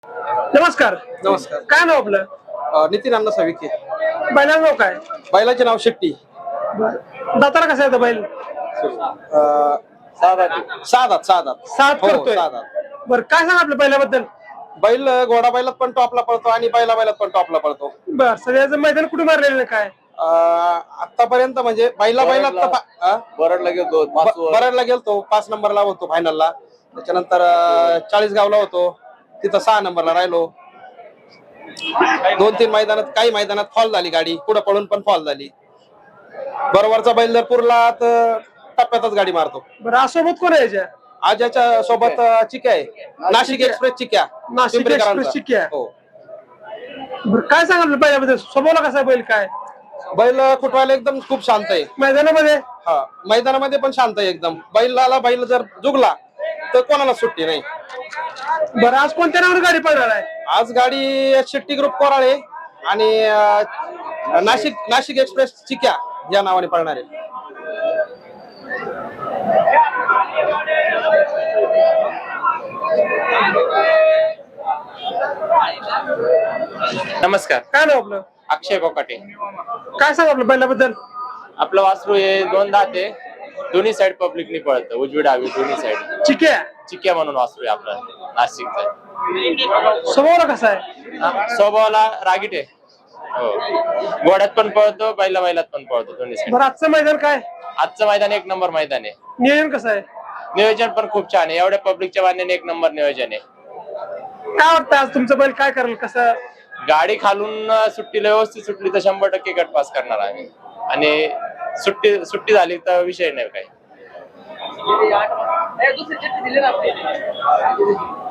नमस्कार. नमस्कार. काय नाव आपलं? नितीन अण्णा साविके. बैलाचं नाव काय? बैलाचे नाव शेट्टी. दाताला कसा येतं बैल? सहा दात. सात हो, करतोय. सहा दात. बरं, काय सांग आपल्या बैलाबद्दल? बैल घोडा बैलात पण टॉपला पळतो आणि बैलात पण टॉपला पळतो. बर, सगळ्याचं मैदान कुठे मारलेलं काय? आतापर्यंत म्हणजे बैलात बरडला गेलो बराडला गेलतो, 5 नंबरला होतो फायनलला. त्याच्यानंतर 40 गावला होतो, तिथं 6 नंबरला राहिलो. 2-3 मैदानात, काही मैदानात फॉल झाली गाडी, पुढे पळून पण फॉल झाली. बरोबरचा बैल जर पुरला तर टप्प्यातच गाडी मारतो. बरं, आज सोबत कोण आहे याच्या? आज याच्या सोबत चिक्या आहे, नाशिक एक्सप्रेस चिक्या. नाशिक पिंपरीकरांचा. एक्सप्रेस चिक्या. हो. बरं, काय सांग आपल्या बैलाबद्दल? स्वभावाला कसा आहे बैल काय? बैल कुठवायला एकदम खूप शांत आहे. मैदानामध्ये? हा, मैदानामध्ये पण शांत आहे एकदम. बैल जर जुगला तर कोणाला सुट्टी नाही. बरं, आज कोणत्या नावाने गाडी पळणार आहे? आज गाडी शेट्टी ग्रुप कोराळे आणि नाशिक एक्सप्रेस चिक्या या नावाने पळणार आहे. नमस्कार. काय नाव आपलं? अक्षय कोकाटे. काय सांग आपल्या बैलाबद्दल? आपलं वासरू हे 2 दात आहे, दोन्ही साइड पब्लिकनी पळतं, उजवी डावी दोन्ही साइड. चिक्या. चिक्या म्हणून वासरू आहे आपलं नाशिकचं. स्वभावाला कसा आहे? स्वभावाला रागीट आहे. हो, घोड्यात पण पळतो, बैलात पण पळतो, दोन्ही साइड. बरं, आजचं मैदान काय? आजचं मैदान 1 नंबर मैदान आहे. नियोजन कसं आहे? नियोजन पण खूप छान आहे, एवढ्या पब्लिकच्या मान्याने 1 नंबर नियोजन आहे. काय वाटतं आज तुमचं बैल काय करेल? कसं? गाडी खालून सुट्टीला व्यवस्थित सुटली तर 100% गट पास करणार आम्ही, आणि सुट्टी झाली तर विषय नाही काही.